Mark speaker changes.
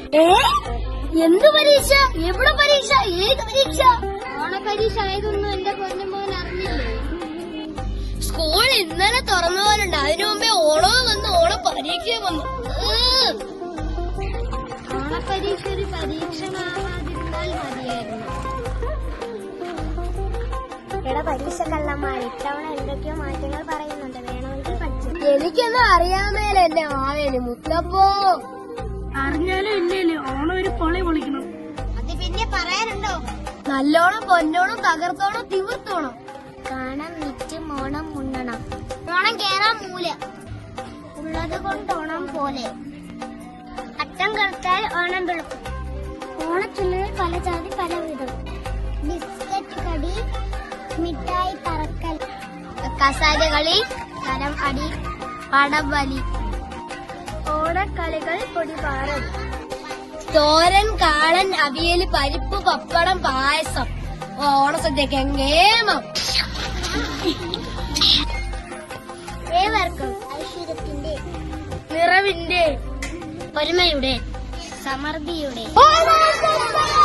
Speaker 1: എന്ത് പരീക്ഷ? എവിടെ പരീക്ഷ? ഏത് പരീക്ഷ? ഓണപരീക്ഷ ആയതൊന്നും എന്റെ പൊന്നുമോൻ അറിഞ്ഞില്ലേ? സ്കൂൾ ഇന്നലെ തുറന്ന പോലുണ്ട്. അതിനു മുമ്പേ ഓണവും വന്നു, ഓണപരീക്ഷയും വന്നു. ഓണപരീക്ഷ ഒരു പരീക്ഷണമാവാതിരുന്നാൽ മതിയായിരുന്നു.
Speaker 2: എടാ പരീക്ഷ കള്ളന്മാർ ഇത്തവണ എന്തൊക്കെയോ മാറ്റങ്ങൾ പറയുന്നുണ്ട്. വേണമെങ്കിൽ പഠിച്ചു.
Speaker 1: എനിക്കൊന്നും അറിയാമേല എന്റെ ആവേന് മുത്തപ്പോ.
Speaker 3: അറിഞ്ഞാലും ഇല്ലേലും ഓണം ഒരു പൊളി പൊളിക്കണം.
Speaker 1: അത് പിന്നെ പറയാനുണ്ടോ? നല്ലോണം പൊന്നോണം തകർത്തോണം തിമിർത്തോണം.
Speaker 2: കാണാൻ വിറ്റ് ഓണം ഉണ്ണണം.
Speaker 1: ഓണം കേറാൻ മൂല
Speaker 2: ഉള്ളത് കൊണ്ടോണം പോലെ. അത്തം കറുത്താൽ ഓണം വെളുക്കും. ഓണച്ചുള്ളിൽ പല ജാതി പല വിധം. ബിസ്ക്കറ്റ് കടി, മിഠായി പറക്കൽ,
Speaker 1: കസാര കളി,
Speaker 2: കരം അടി,
Speaker 1: പടംവലി,
Speaker 2: ഓണക്കളികൾ പൊടിപാറൽ,
Speaker 1: തോരൻ, കാളൻ, അവിയല്, പരിപ്പ്, പപ്പടം, പായസം, ഓണസദ്യക്ക് എങ്ങേമം.
Speaker 2: ഏവർക്കും ഐശ്വര്യത്തിന്റെ,
Speaker 1: നിറവിന്റെ,
Speaker 2: ഒരുമയുടെ, സമൃദ്ധിയുടെ